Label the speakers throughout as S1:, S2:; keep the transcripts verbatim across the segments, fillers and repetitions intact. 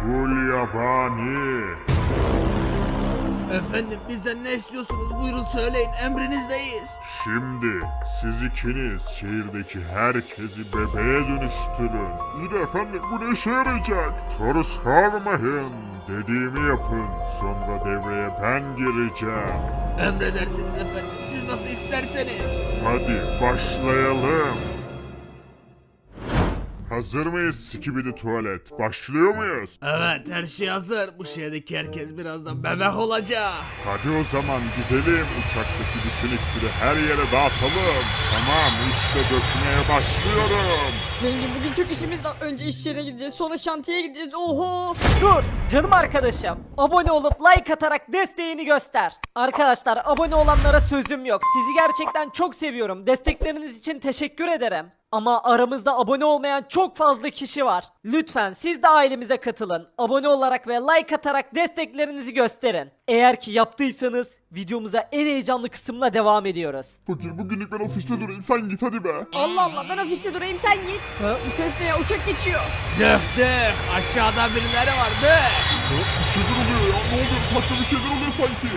S1: Kul yabani.
S2: Efendim bizden ne istiyorsunuz? Buyurun söyleyin, emrinizdeyiz.
S1: Şimdi siz ikiniz şehirdeki herkesi bebeğe dönüştürün. İyi de efendim bu ne işe yarayacak? Soru sormayın. Dediğimi yapın. Sonra devreye ben gireceğim.
S2: Emredersiniz efendim, siz nasıl isterseniz.
S1: Hadi başlayalım. Hazır mıyız Skibidi Tuvalet? Başlıyor muyuz?
S2: Evet, her şey hazır. Bu şehirdeki herkes birazdan bebek olacak.
S1: Hadi o zaman gidelim. Uçaktaki bütün iksiri her yere dağıtalım. Tamam işte dökmeye başlıyorum.
S3: Zengin bugün çok işimiz var. Önce iş yerine gideceğiz, sonra şantiyeye gideceğiz. Oho!
S4: Dur canım arkadaşım. Abone olup like atarak desteğini göster. Arkadaşlar abone olanlara sözüm yok. Sizi gerçekten çok seviyorum. Destekleriniz için teşekkür ederim. Ama aramızda abone olmayan çok fazla kişi var. Lütfen siz de ailemize katılın. Abone olarak ve like atarak desteklerinizi gösterin. Eğer ki yaptıysanız videomuza en heyecanlı kısımla devam ediyoruz.
S1: Fakir bugünlük ben ofiste durayım sen git hadi be.
S3: Allah Allah, ben ofiste durayım, sen git. Ha, bu ses ne ya? Uçak geçiyor.
S2: Dök dök, aşağıda birileri var, dök.
S1: Bir şeyler oluyor ya ne oluyor saçma bir şeyler oluyor sanki.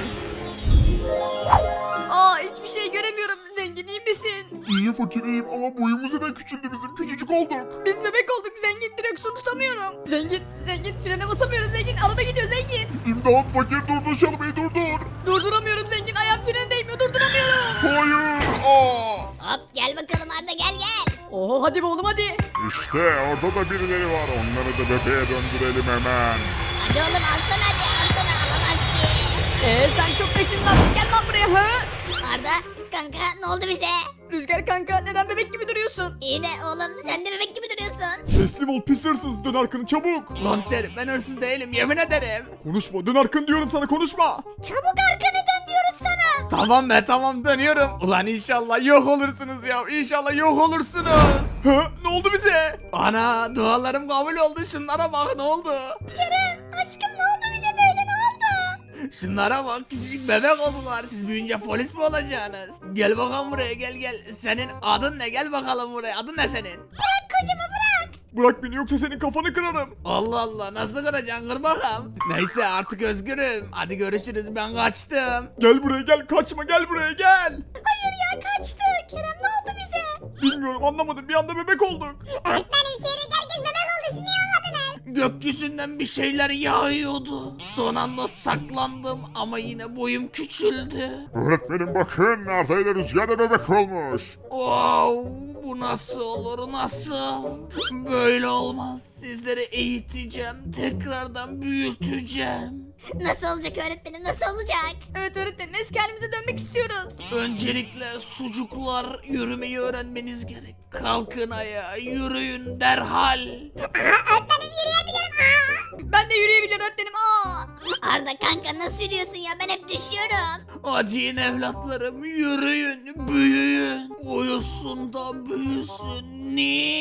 S3: Aa, hiçbir şey göremiyorum. Zengin iyi misin?
S1: İyiyim fakir iyiyim ama boyumuz neden küçüldü bizim küçücük olduk.
S3: Biz bebek olduk zengin, direksiyon tutamıyorum. Zengin, zengin frene basamıyorum zengin, araba gidiyor zengin.
S1: İmdat fakir durdur şalmayı durdur.
S3: Durduramıyorum zengin, ayağım frene değmiyor, durduramıyorum.
S1: Hayır. Aa.
S5: Hop gel bakalım Arda gel gel.
S3: Oho hadi be oğlum hadi.
S1: İşte orada da birileri var onları da bebeğe döndürelim hemen.
S5: Hadi oğlum alsana hadi alsana alamaz ki.
S3: Ee sen çok peşimden, gel lan buraya ha.
S5: Arda kanka ne oldu bize?
S3: Rüzgar kanka neden bebek gibi duruyorsun?
S5: İyi de oğlum sen de bebek gibi duruyorsun.
S6: Teslim ol pis hırsız dön arkanı çabuk.
S2: Komiserim ben hırsız değilim, yemin ederim.
S6: Konuşma dön arkanı diyorum sana konuşma.
S5: Çabuk arkanı dön diyoruz sana.
S2: Tamam be tamam, dönüyorum. Ulan inşallah yok olursunuz ya, inşallah yok olursunuz.
S6: Ha, ne oldu bize?
S2: Ana dualarım kabul oldu, şunlara bak ne oldu.
S5: Kerem aşkım ne oldu bize böyle ne oldu?
S2: Şunlara bak, küçücük bebek oldular. Siz büyüyünce polis mi olacaksınız? Gel bakalım buraya, gel gel. Senin adın ne? Gel bakalım buraya. Adın ne senin?
S5: Bırak kocamı bırak.
S6: Bırak beni yoksa senin kafanı kırarım.
S2: Allah Allah, nasıl kıracaksın, kır bakalım. Neyse artık özgürüm. Hadi görüşürüz, ben kaçtım.
S6: Gel buraya gel kaçma gel buraya gel.
S5: Hayır ya kaçtı. Kerem ne oldu bize?
S6: Bilmiyorum anlamadım bir anda bebek olduk.
S5: Öğretmenim şehirdeki herkes bebek oldu siz niye anladınız?
S2: Gökyüzünden bir şeyler yağıyordu. Son anda saklandım ama yine boyum küçüldü.
S1: Öğretmenim bakın Arda ile Rüzgar da bebek olmuş.
S2: Wow, bu nasıl olur, nasıl? Böyle olmaz. Sizleri eğiteceğim, tekrardan büyüteceğim.
S5: Nasıl olacak öğretmenim nasıl olacak?
S3: Evet öğretmenim, eski halimize dönmek istiyoruz.
S2: Öncelikle sucuklar, yürümeyi öğrenmeniz gerek. Kalkın ayağa, yürüyün derhal.
S5: Öğretmenim yürüyebilirim. Aa!
S3: Ben de yürüyebilirim öğretmenim. Aa!
S5: Arda kanka nasıl yürüyorsun ya ben hep düşüyorum.
S2: Hadi in evlatlarım, yürüyün, büyüyün. Uyusun da büyüsün,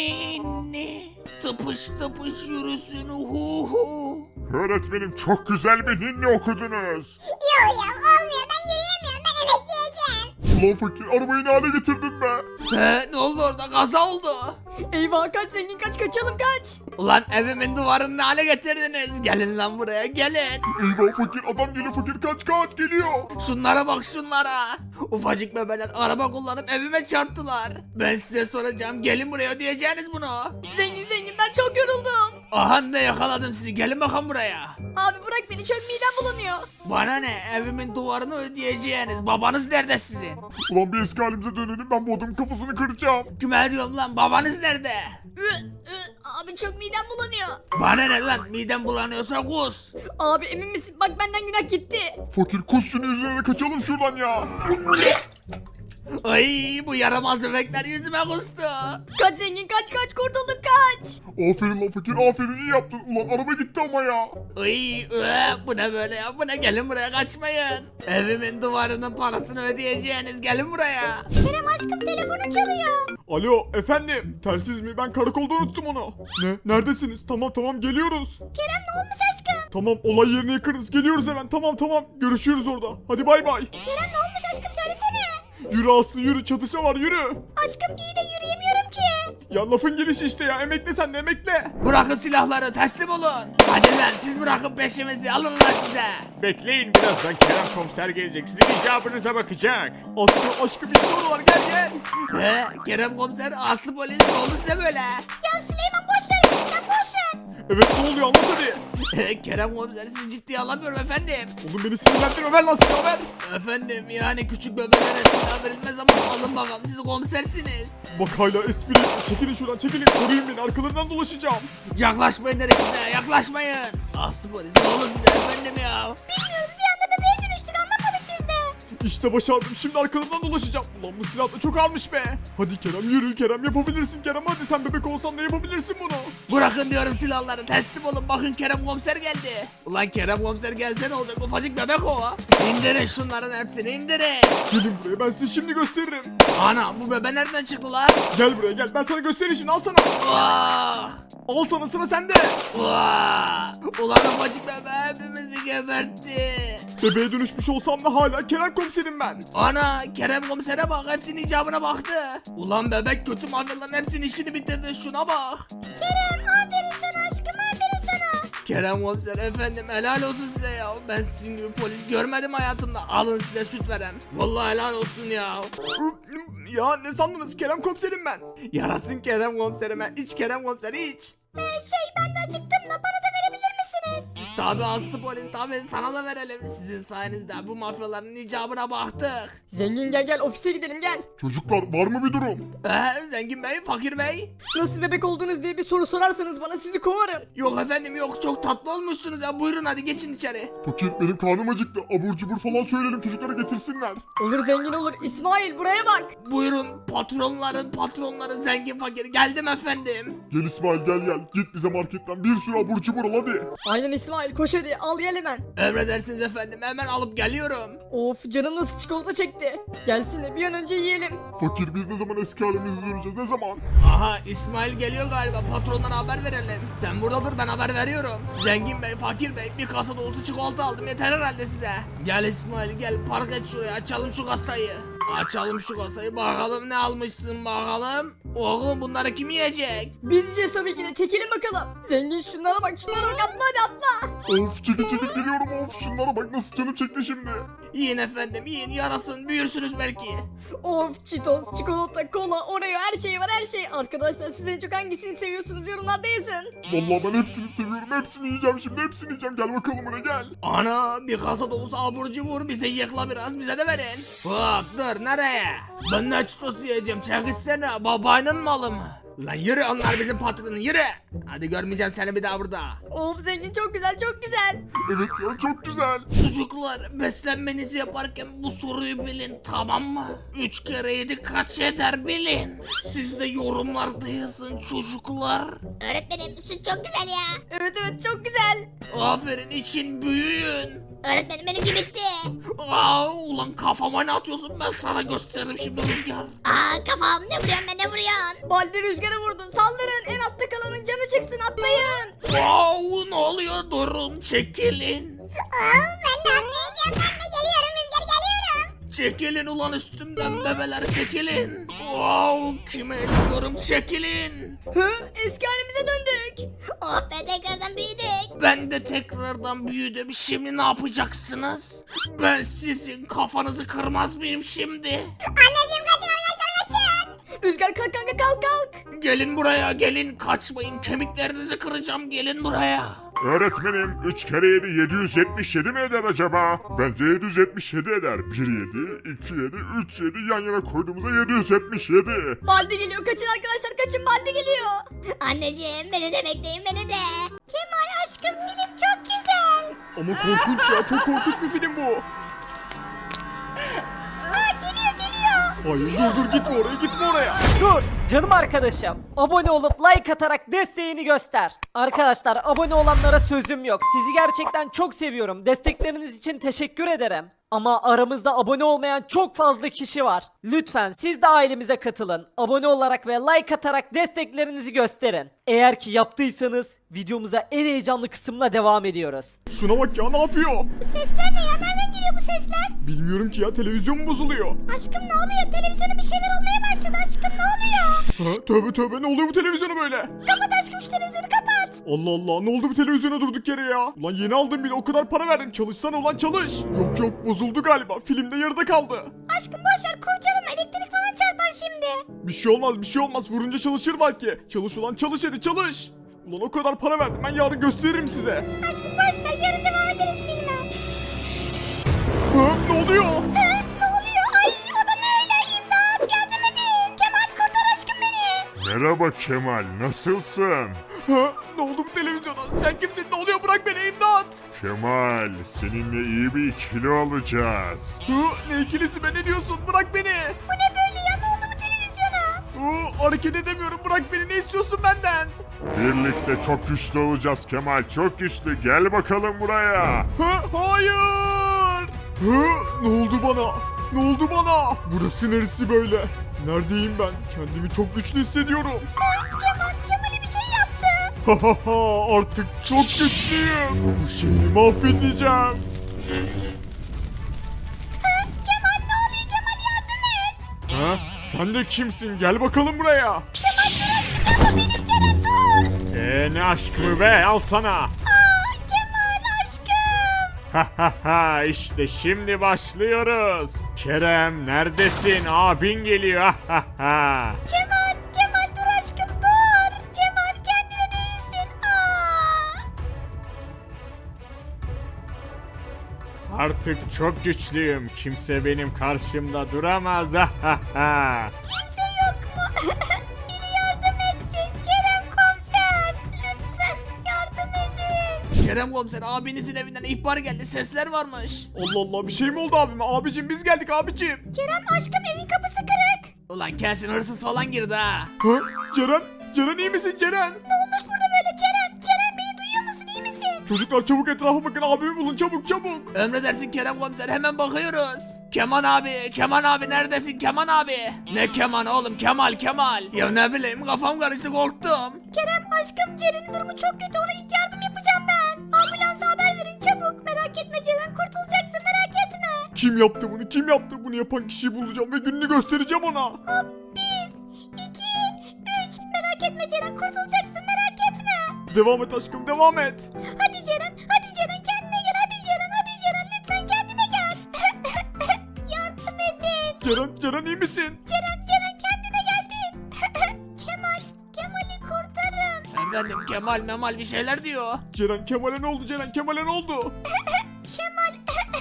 S2: ninni. Tıpış tıpış yürüsün, hu hu.
S1: Öğretmenim çok güzel bir ninni okudunuz.
S5: Yok ya olmuyor ben yürüyemiyorum ben emekleyeceğim.
S1: Ulan fakir arabayı ne hale getirdin be?
S2: He, ne oldu orada, kaza oldu.
S3: Eyvah kaç zengin kaç, kaçalım kaç.
S2: Ulan evimin duvarını ne hale getirdiniz? Gelin lan buraya, gelin.
S1: Eyvah fakir adam geliyor fakir kaç kaç geliyor.
S2: Şunlara bak şunlara. Ufacık bebeler araba kullanıp evime çarptılar. Ben size soracağım, gelin buraya, ödeyeceğiniz bunu.
S3: Zengin zengin ben çok yoruldum.
S2: Aha ne yakaladım sizi, gelin bakalım buraya.
S3: Abi bırak beni, çok midem bulanıyor.
S2: Bana ne, evimin duvarını ödeyeceğiniz. Babanız nerede sizin?
S1: Ulan bir eski halimize dönelim ben bu adamın kafasını kıracağım.
S2: Kime diyorum lan, babanız nerede?
S3: Ü, ü, Abi çok midem bulanıyor.
S2: Bana ne lan, midem bulanıyorsa kus.
S3: Abi emin misin? Bak benden günah gitti.
S1: Fakir kus şunu yüzüne kaçalım şuradan ya.
S2: Ay bu yaramaz bebekler yüzüme kustu.
S3: Kaç zengin kaç kaç, kurtulduk kaç.
S1: Aferin lan fakir aferin iyi yaptın. Ulan araba gitti ama ya.
S2: Ay ee, bu ne böyle ya, bu ne, gelin buraya, kaçmayın. Evimin duvarının parasını ödeyeceğiniz, gelin buraya.
S5: Kerem aşkım telefonu çalıyor.
S6: Alo efendim telsiz mi ben karakolda unuttum onu. Ne neredesiniz tamam tamam geliyoruz.
S5: Kerem ne olmuş aşkım?
S6: Tamam olay yerine yakınız geliyoruz hemen tamam tamam görüşürüz orada. Hadi bay bay.
S5: Kerem ne olmuş aşkım söylesene.
S6: Yürü Aslı yürü çatışma var yürü.
S5: Aşkım iyi de yürüyemiyorum ki.
S6: Ya lafın gelişi işte ya, emekle sen de emekle.
S2: Bırakın silahları, teslim olun. Hadi lan siz bırakın peşimizi, alın lan size.
S6: Bekleyin, birazdan Kerem komiser gelecek, sizin icabınıza bakacak. Aslı aşkım bir şey var, gel gel.
S2: He, Kerem komiser, Aslı polis ne oldu size böyle?
S5: Ya Süleyman boş ver sen boş ver.
S6: Evet, ne oluyor, anlat hadi.
S2: He, Kerem komiser sizi ciddiye alamıyorum efendim.
S6: Oğlum beni sinirlendirme, ver lan silahı ver.
S2: Efendim yani küçük bebeklere silah verilmez ama alın bakalım siz komisersiniz.
S6: Bak hala espri, çekilin şuradan çekilin, koruyun beni, arkalarından dolaşacağım.
S2: Yaklaşmayın dedik size, yaklaşmayın. Aslı polis ne oldu size efendim ya?
S5: Bilmiyoruz bir anda bebeğe dönüştük anlamadık biz de.
S6: İşte başardım, şimdi arkalarından dolaşacağım. Ulan bu silah da çok almış be. Hadi Kerem, yürü Kerem, yapabilirsin Kerem, hadi sen bebek olsan da yapabilirsin bunu.
S2: Bırakın diyorum silahları, teslim olun, bakın Kerem komiser geldi. Ulan Kerem komiser gelse ne olacak, ufacık bebek o. İndirin şunların hepsini, indirin.
S6: Gelin buraya, ben size şimdi gösteririm.
S2: Ana bu bebe nereden çıktı lan?
S6: Gel buraya gel, ben sana göstereyim şimdi, al sana.
S2: Vah!
S6: Al sana, sıra sende.
S2: Vah! Ulan ufacık bebe hepimizi gebertti.
S6: Bebeğe dönüşmüş olsam da hala Kerem komiserim ben.
S2: Ana Kerem komisere bak, hepsinin icabına baktı. Ulan bebek kötü mafyaların hepsinin işini bitirdi, şuna bak.
S5: Kerem aferin sana aşkım aferin sana.
S2: Kerem komiser efendim helal olsun size ya. Ben sizin gibi polis görmedim hayatımda. Alın size süt verem. Vallahi helal olsun ya.
S6: Ya ne sandınız, Kerem komiserim ben.
S2: Yarasın Kerem komiserime. İç Kerem komiser iç.
S5: Ee, şey ben de acıktım da bana da verebilir misiniz?
S2: Tabi aslı polis tabi sana da verelim. Sizin sayenizde bu mafyaların icabına baktık.
S3: Zengin gel gel ofise gidelim gel.
S1: Çocuklar var mı bir durum?
S2: Ee, zengin bey, fakir bey.
S3: Nasıl bebek oldunuz diye bir soru sorarsanız bana sizi kovarım.
S2: Yok efendim yok, çok tatlı olmuşsunuz ya. Buyurun hadi geçin içeri.
S1: Fakir benim karnım acıktı. Abur cubur falan söyleyelim çocuklara getirsinler.
S3: Olur zengin olur. İsmail buraya bak.
S2: Buyurun patronların patronları zengin fakir. Geldim efendim.
S1: Gel İsmail gel gel. Git bize marketten bir sürü abur cubur al hadi.
S3: Aynen İsmail koş hadi al gel hemen.
S2: Emredersiniz efendim, hemen alıp geliyorum.
S3: Of canım nasıl çikolata çekti. Gelsin de bir an önce yiyelim.
S1: Fakir biz ne zaman eski halimize döneceğiz, ne zaman?
S2: Aha İsmail geliyor galiba, patronlara haber verelim. Sen burada dur, ben haber veriyorum. Zengin bey, fakir bey, bir kasa dolusu çikolata aldım, yeter herhalde size. Gel İsmail gel, park et şuraya, açalım şu kasayı. Açalım şu kasayı, bakalım ne almışsın bakalım. Oğlum bunları kim yiyecek?
S3: Biz yiyeceğiz tabii ki de çekilin bakalım. Zengin şunlara bak şunlara bak atla hadi atla.
S1: Of çekil çekil geliyorum, of şunlara bak nasıl canım çekti şimdi.
S2: Yiyin efendim yiyin, yarasın büyürsünüz belki.
S3: Of çitos, çikolata, kola, oreo her şey var her şey. Arkadaşlar siz en çok hangisini seviyorsunuz yorumlarda yazın.
S1: Vallahi ben hepsini seviyorum, hepsini yiyeceğim şimdi, hepsini yiyeceğim, gel bakalım buraya gel.
S2: Ana bir kasa dolusu abur cubur, biz de yıkla biraz, bize de verin. Hop dur nereye? Ben ne çitos yiyeceğim, çekilsene, babanın malı mı? Lan yürü, onlar bizim patronun, yürü. Hadi görmeyeceğim seni bir daha burada.
S3: Of zengin çok güzel çok güzel.
S1: Evet ya çok güzel.
S2: Çocuklar beslenmenizi yaparken bu soruyu bilin, tamam mı? Üç kere yedi kaç eder bilin. Siz de yorumlarda yazın çocuklar.
S5: Öğretmenim süt çok güzel ya.
S3: Evet evet çok güzel.
S2: Aferin, için büyüyün.
S5: Öğretmenim benimki bitti.
S2: Aa, ulan kafama ne atıyorsun, ben sana gösteririm şimdi Rüzgar.
S5: Aa kafam ne vuruyorsun be ne vuruyorsun?
S3: Baldi rüzgara vurdun saldırın en altta kalanın canı çıksın atlayın.
S2: Wow, ne oluyor, durun çekilin.
S5: Aa ben de atlayacağım ben de geliyorum Rüzgar geliyorum.
S2: Çekilin ulan üstümden bebeler, çekilin. Wow, kime diyorum çekilin.
S3: Hı eski halimize döndük.
S5: Oh be tekrardan büyüdük.
S2: Ben de tekrardan büyüdüm, şimdi ne yapacaksınız? Ben sizin kafanızı kırmaz mıyım şimdi?
S5: Anneciğim kaçın arkadaşlar kaçın.
S3: Rüzgar kalk kanka kalk kalk.
S2: Gelin buraya, gelin, kaçmayın, kemiklerinizi kıracağım, gelin buraya.
S1: Öğretmenim üç kere yedi yedi yüz yetmiş yedi mi eder acaba? Bence yedi yüz yetmiş yedi eder. bir yedi, iki yedi, üç yedi yan yana koyduğumuzda yedi yüz yetmiş yedi.
S3: Baldi geliyor kaçın arkadaşlar kaçın Baldi geliyor.
S5: Anneciğim beni de bekleyin beni de. Kemal aşkım film çok güzel.
S6: Ama korkunç ya, çok korkunç bir film bu.
S5: Aa geliyor geliyor.
S6: Hayır dur dur gitme oraya gitme oraya.
S4: Dur canım arkadaşım. Abone olup like atarak desteğini göster. Arkadaşlar abone olanlara sözüm yok. Sizi gerçekten çok seviyorum. Destekleriniz için teşekkür ederim. Ama aramızda abone olmayan çok fazla kişi var. Lütfen siz de ailemize katılın. Abone olarak ve like atarak desteklerinizi gösterin. Eğer ki yaptıysanız videomuza en heyecanlı kısımla devam ediyoruz.
S6: Şuna bak ya, ne yapıyor?
S5: Bu sesler ne ya nereden geliyor bu sesler?
S6: Bilmiyorum ki ya, televizyon mu bozuluyor?
S5: Aşkım ne oluyor televizyona bir şeyler olmaya başladı aşkım ne oluyor?
S6: Ha, tövbe tövbe ne oluyor bu televizyona böyle?
S5: Kapat aşkım şu televizyonu kapat.
S6: Allah Allah ne oldu bu televizyona durduk yere ya? Ulan yeni aldım bile o kadar para verdim çalışsana ulan çalış. Yok yok bozuldu galiba filmde yarıda kaldı.
S5: Aşkım boşver kurcalama elektrik falan çarpar şimdi.
S6: Bir şey olmaz bir şey olmaz vurunca çalışır belki. Çalış ulan çalış hadi çalış. Ulan o kadar para verdim ben yarın gösteririm size.
S5: Aşkım boşver yarın devam ederiz filme.
S6: Ha, ne oluyor?
S5: Ha, ne oluyor? Ay o da ne öyle? İmdat yardım edin. Kemal kurtar aşkım beni.
S1: Merhaba Kemal, nasılsın?
S6: Ha, ne oldu bu televizyona? Sen kimsin? Ne oluyor? Bırak beni imdat.
S1: Kemal, seninle iyi bir ikili olacağız.
S6: Ha, ne ikilisi be ne diyorsun? Bırak beni.
S5: Bu ne böyle ya? Ne oldu bu televizyona?
S6: Ha, hareket edemiyorum. Bırak beni. Ne istiyorsun benden?
S1: Birlikte çok güçlü olacağız Kemal, çok güçlü. Gel bakalım buraya.
S6: Ha, hayır. Ha, ne oldu bana? Ne oldu bana? Burası neresi böyle? Neredeyim ben? Kendimi çok güçlü hissediyorum.
S5: Kemal, Kemal'e bir şey yaptı.
S6: Ha ha ha artık çok güçlüyüm. Bu şehri mahvedeceğim.
S5: Kemal ne oluyor? Kemal yardım et.
S6: Ha? Sen de kimsin? Gel bakalım buraya.
S5: Kemal dur aşkım yapma benim canım dur.
S6: Eee ne aşkımı be al sana.
S5: Aa, Kemal aşkım.
S6: Ha ha ha işte şimdi başlıyoruz. Kerem neredesin? Abin geliyor. Ha ha ha.
S5: Kemal, Kemal dur aşkım dur. Kemal kendine değilsin. Aa.
S6: Artık çok güçlüyüm. Kimse benim karşımda duramaz. Ha ha ha.
S5: Kimse yok mu? Biri yardım etsin. Kerem komiser. Lütfen yardım edin.
S2: Kerem komiser abinizin evinden ihbar geldi sesler varmış.
S6: Allah Allah bir şey mi oldu abime? Abicim biz geldik abicim.
S5: Kerem aşkım evin kapısı kırık.
S2: Ulan kesin hırsız falan girdi ha.
S6: Ha? Ceren? Ceren iyi misin Ceren?
S5: Ne olmuş burada böyle Ceren? Ceren beni duyuyor musun? İyi misin?
S6: Çocuklar çabuk etrafa bakın abimi bulun çabuk çabuk.
S2: Emredersin Kerem komiser hemen bakıyoruz. Keman abi, Keman abi neredesin Keman abi? Ne Keman oğlum Kemal Kemal. Ya ne bileyim kafam karıştı korktum.
S5: Kerem aşkım Ceren'in durumu çok kötü ona ilk yardım yapacağım ben. Ambulansa haber verin çabuk. Merak etme Ceren kurtulacaksın merak etme.
S6: Kim yaptı bunu? Kim yaptı? Bunu yapan kişiyi bulacağım ve gününü göstereceğim ona.
S5: Hop bir, iki, üç. Merak etme Ceren kurtulacaksın merak etme.
S6: Devam et aşkım devam et.
S5: Hadi Ceren hadi Ceren kendine gel hadi Ceren hadi Ceren lütfen kendine gel. Yardım edin.
S6: Ceren, Ceren iyi misin?
S5: Ceren Ceren kendine geldin. Kemal Kemal'i kurtarın.
S2: Efendim Kemal Memal bir şeyler diyor.
S6: Ceren Kemal'e ne oldu Ceren? Kemal'e ne oldu?
S5: Kemal.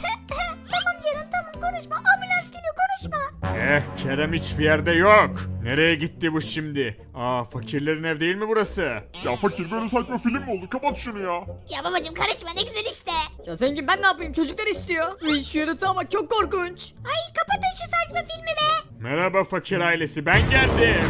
S5: Tamam Ceren tamam konuşma ambulans geliyor konuşma.
S6: Eh Kerem hiçbir yerde yok. Nereye gitti bu şimdi? Aa fakirlerin ev değil mi burası?
S1: Ya fakir böyle saçma film mi oldu? Kapat şunu ya.
S5: Ya babacım karışma ne güzel işte.
S3: Ya zengin ben ne yapayım çocuklar istiyor. Uy, şu yaratığa bak çok korkunç.
S5: Ay kapatın şu saçma filmi be.
S6: Merhaba fakir ailesi ben geldim.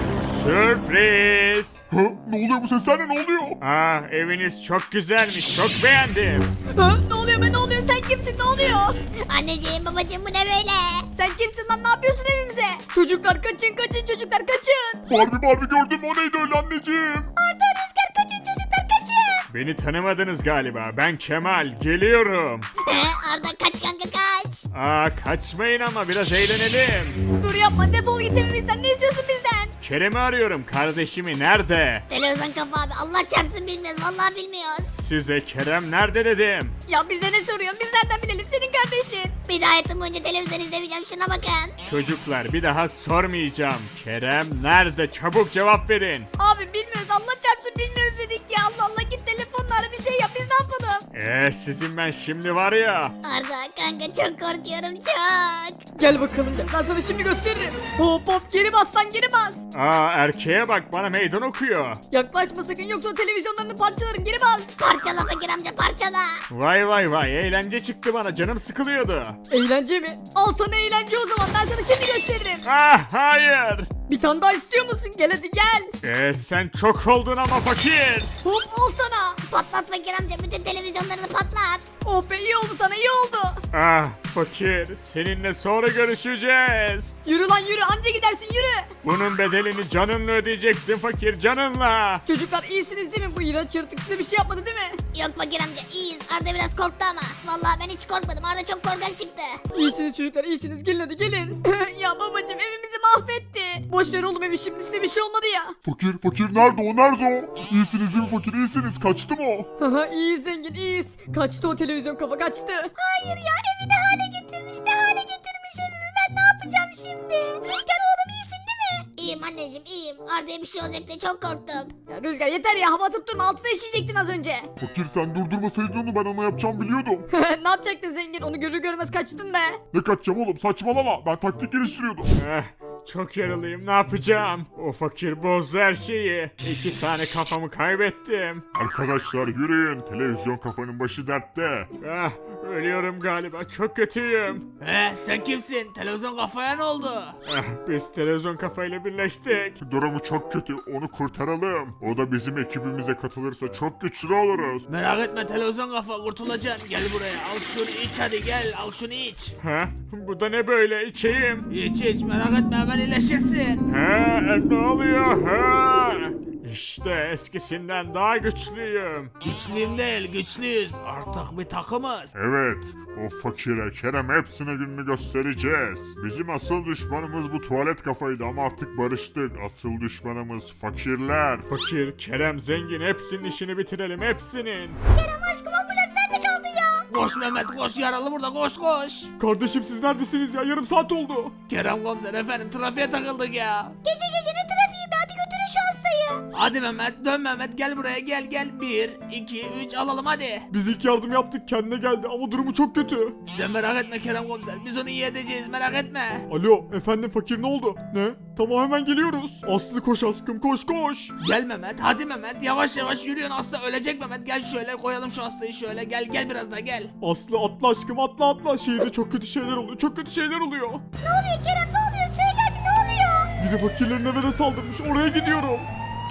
S6: Sürpriz.
S1: Ha? Ne oluyor bu sesler ne? Ne oluyor?
S6: Aa eviniz çok güzelmiş çok beğendim.
S3: Ha, ne oluyor be ne oluyor sen kimsin ne oluyor?
S5: Anneciğim babacığım bu ne böyle?
S3: Sen kimsin lan ne yapıyorsun evimize? Çocuklar kaçın kaçın çocuklar kaçın.
S1: Barbie Barbie gördün mü? O neydi öyle anneciğim?
S5: Arda Rüzgar kaçın çocuklar kaçın.
S6: Beni tanımadınız galiba ben Kemal geliyorum.
S5: He, Arda kaç kanka kaç.
S6: Aa kaçmayın ama biraz eğlenelim.
S3: Dur yapma defol git evimizden ne istiyorsun bizden?
S6: Kerem'i arıyorum kardeşimi nerede?
S5: Televizyon kafa abi Allah çarpsın bilmiyoruz vallahi bilmiyoruz.
S6: Size Kerem nerede dedim.
S3: Ya bize ne soruyorsun biz nereden bilelim senin kardeşin?
S5: Bir daha hayatım boyunca televizyon izlemeyeceğim şuna bakın.
S6: Çocuklar bir daha sormayacağım. Kerem nerede çabuk cevap verin.
S3: Abi bilmiyoruz Allah çarpsın bilmiyoruz dedik ya Allah Allah git telefonla ara bir şey yap biz ne yapalım?
S6: Eee sizin ben şimdi var ya.
S5: Arda kanka çok korkuyorum çok.
S3: Gel bakalım gel ben sana şimdi gösteririm. Hop hop geri bas lan geri bas.
S6: Aa erkeğe bak bana meydan okuyor.
S3: Yaklaşma sakın yoksa televizyonlarını parçalarım geri bas.
S5: Parçala fakir amca parçala.
S6: Vay vay vay eğlence çıktı bana canım sıkılıyordu.
S3: Eğlence mi? Al sana eğlence o zaman ben sana şimdi gösteririm.
S6: Ah hayır.
S3: Bir tane daha istiyor musun? Gel hadi gel.
S6: Eee sen çok oldun ama fakir.
S3: Hop al sana.
S5: Patlat fakir amca bütün televizyonlarını patlat.
S3: Oh be iyi oldu sana iyi oldu.
S6: Ah fakir seninle sonra görüşeceğiz.
S3: Yürü lan yürü anca gidersin yürü.
S6: Bunun bedelini canınla ödeyeceksin fakir canınla.
S3: Çocuklar iyisiniz değil mi? Bu iğrenç yaratık size bir şey yapmadı değil mi?
S5: Yok fakir amca iyiyiz. Arda biraz korktu ama. Vallahi ben hiç korkmadım. Arda çok korkak çıktı.
S3: İyisiniz çocuklar iyisiniz gelin hadi gelin. Ya babacım evimizi mahvetti. Boş ver oğlum evi şimdi size bir şey olmadı ya.
S1: Fakir fakir nerede o nerede o? İyisiniz değil mi fakir iyisiniz kaçtı mı o?
S3: Haha iyiyiz zengin iyiyiz. Kaçtı o televizyon kafa kaçtı.
S5: Hayır ya evi ne hale getirmiş ne hale getirmiş evimi. Ben ne yapacağım şimdi? Rüzgar oğlum iyisin değil mi? İyiyim anneciğim iyiyim. Arda'ya bir şey olacak diye çok korktum.
S3: Ya Rüzgar yeter ya hava atıp durma altına işeyecektin az önce.
S1: Fakir sen durdurmasaydın onu ben ona yapacağım biliyordum.
S3: Ne yapacaktın zengin onu görür görmez kaçtın be.
S1: Ne kaçacağım oğlum saçmalama ben taktik geliştiriyordum.
S6: Eh, çok yaralıyım ne yapacağım? O fakir bozdu her şeyi. İki tane kafamı kaybettim.
S1: Arkadaşlar yürüyün televizyon kafanın başı dertte.
S6: Ah, ölüyorum galiba çok kötüyüm.
S2: He sen kimsin? Televizyon kafaya ne oldu?
S6: Ah, biz televizyon kafayla birleştik.
S1: Durumu çok kötü onu kurtaralım. O da bizim ekibimize katılırsa çok güçlü oluruz.
S2: Merak etme televizyon kafa kurtulacaksın. Gel buraya al şunu iç hadi gel al şunu iç.
S6: Ha? Bu da ne böyle içeyim?
S2: İç iç merak etme hemen iyileşirsin.
S6: Ha? Ne oluyor? Ha? İşte eskisinden daha güçlüyüm.
S2: Güçlüyüm değil güçlüyüz. Artık bir takımız.
S1: Evet, o fakire Kerem hepsine gününü göstereceğiz. Bizim asıl düşmanımız bu tuvalet kafaydı ama artık barıştık. Asıl düşmanımız fakirler.
S6: Fakir, Kerem, zengin hepsinin işini bitirelim hepsinin.
S5: Kerem aşkım ambulans nerede kaldı ya?
S2: Koş Mehmet koş yaralı burada koş koş.
S6: Kardeşim siz neredesiniz ya? Yarım saat oldu.
S2: Kerem komiser efendim trafiğe takıldık ya.
S5: Gece gece ne trafiği be hadi götürün şu hastayı.
S2: Hadi Mehmet dön Mehmet gel buraya gel gel. Bir, iki, üç alalım hadi.
S6: Biz ilk yardım yaptık kendine geldi ama durumu çok kötü.
S2: Sen merak etme Kerem komiser biz onu iyi edeceğiz merak etme.
S6: Alo efendim fakir ne oldu? Ne? Tamam hemen geliyoruz. Aslı koş aşkım koş koş.
S2: Gel Mehmet hadi Mehmet yavaş yavaş yürüyorsun hasta ölecek Mehmet gel şöyle koyalım şu hastayı şöyle gel gel biraz daha gel.
S6: Aslı atla aşkım atla atla. Şehirde çok kötü şeyler oluyor. Çok kötü şeyler oluyor.
S5: Ne oluyor Kerem ne oluyor söyle hadi ne oluyor?
S6: Biri fakirlerin eve de saldırmış. Oraya gidiyorum.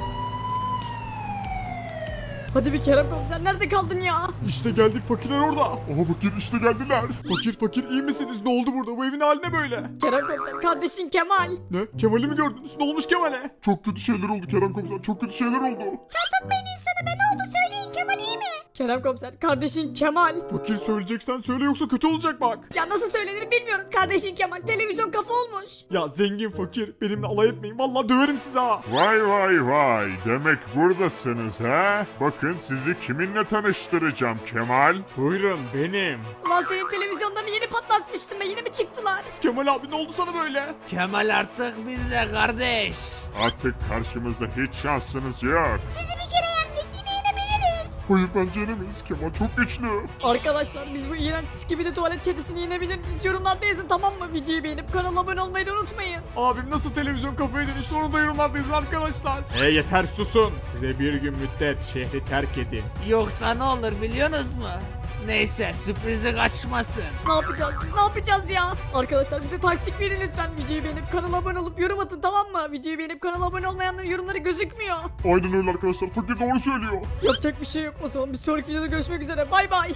S3: Hadi bir Kerem komiser nerede kaldın ya?
S6: İşte geldik fakirler orada.
S1: Aha fakir işte geldiler.
S6: Fakir fakir iyi misiniz? Ne oldu burada? Bu evin haline böyle.
S3: Kerem komiser kardeşin Kemal.
S6: Ne? Kemal'i mi gördünüz? Ne olmuş Kemal'e?
S1: Çok kötü şeyler oldu Kerem komiser çok kötü şeyler oldu.
S5: Çatlatmayın insanı be ne oldu söyleyin Kemal iyi mi?
S3: Kerem komiser kardeşin Kemal.
S6: Fakir söyleyeceksen söyle yoksa kötü olacak bak.
S3: Ya nasıl söylenir bilmiyorum kardeşin Kemal televizyon kafa olmuş.
S6: Ya zengin fakir benimle alay etmeyin. Vallahi döverim sizi ha.
S1: Vay vay vay demek buradasınız ha? Bakın sizi kiminle tanıştıracağım Kemal.
S6: Buyurun benim.
S3: Ulan senin televizyondan yeni patlatmıştım be yine mi çıktılar?
S6: Kemal abi ne oldu sana böyle?
S2: Kemal artık bizle kardeş.
S1: Artık karşımızda hiç şansınız yok.
S5: Sizi bir kere yendik yine yenebiliriz.
S1: Hayır bence yenemeyiz Kemal çok güçlü.
S3: Arkadaşlar biz bu iğrenç skibidi tuvalet çetesini yenebilir miyiz? Yorumlarda yazın tamam mı? Videoyu beğenip kanala abone olmayı da unutmayın.
S6: Abim nasıl televizyon kafaya dönüştü onu da yorumlarda yazın arkadaşlar. E yeter susun. Size bir gün müddet şehri terk edin.
S2: Yoksa ne olur biliyorsunuz mu? Neyse sürprizi kaçmasın.
S3: Ne yapacağız biz ne yapacağız ya? Arkadaşlar bize taktik verin lütfen. Videoyu beğenip kanala abone olup yorum atın tamam mı? Videoyu beğenip kanala abone olmayanların yorumları gözükmüyor.
S1: Aynen öyle arkadaşlar fakir doğru söylüyor.
S3: Yapacak bir şey yok o zaman bir sonraki videoda görüşmek üzere bay bay.